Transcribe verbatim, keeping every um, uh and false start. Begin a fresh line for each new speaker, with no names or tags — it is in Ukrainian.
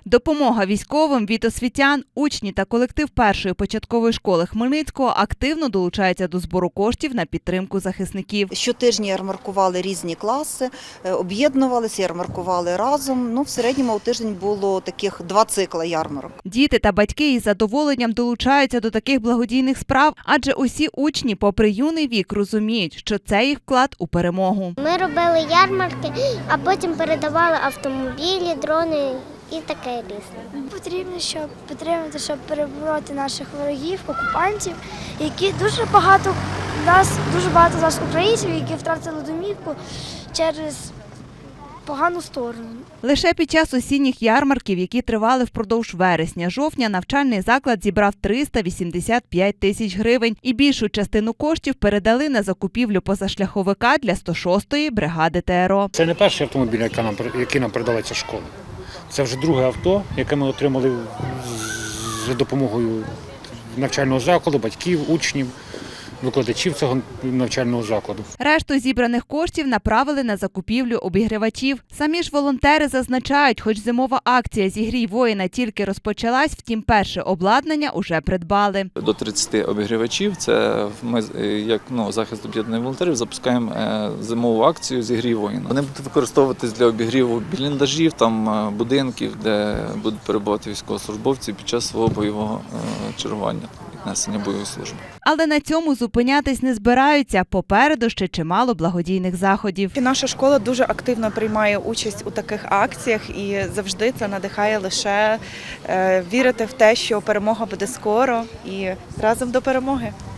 Допомога військовим від освітян, учні та колектив першої початкової школи Хмельницького активно долучаються до збору коштів на підтримку захисників.
Щотижня ярмаркували різні класи, об'єднувалися, ярмаркували разом. Ну, в середньому у тиждень було таких два цикла ярмарок.
Діти та батьки із задоволенням долучаються до таких благодійних справ, адже усі учні, попри юний вік, розуміють, що це їх вклад у перемогу.
Ми робили ярмарки, а потім передавали автомобілі, дрони і таке різне.
Потрібно, щоб підтримати, щоб перебороти наших ворогів, окупантів, які дуже багато нас, дуже багато з нас українців, які втратили домівку через погану сторону.
Лише під час осінніх ярмарків, які тривали впродовж вересня-жовтня, навчальний заклад зібрав триста вісімдесят п'ять тисяч гривень і більшу частину коштів передали на закупівлю позашляховика для сто шостої бригади ТРО.
Це не перший автомобіль, який нам, який нам передала ця школа. Це вже друге авто, яке ми отримали за допомогою навчального закладу, батьків, учнів, викладачів цього навчального закладу.
Решту зібраних коштів направили на закупівлю обігрівачів. Самі ж волонтери зазначають, хоч зимова акція «Зігрій воїна» тільки розпочалась, втім перше обладнання уже придбали.
До тридцяти обігрівачів, це ми, як ну, захист об'єднаних волонтерів, запускаємо зимову акцію «Зігрій воїна». Вони будуть використовуватись для обігріву бліндажів, там, будинків, де будуть перебувати військовослужбовці під час свого бойового чергування, несення бойової служби.
Але на цьому зупинятись не збираються. Попереду ще чимало благодійних заходів.
Наша школа дуже активно приймає участь у таких акціях і завжди це надихає лише вірити в те, що перемога буде скоро і разом до перемоги.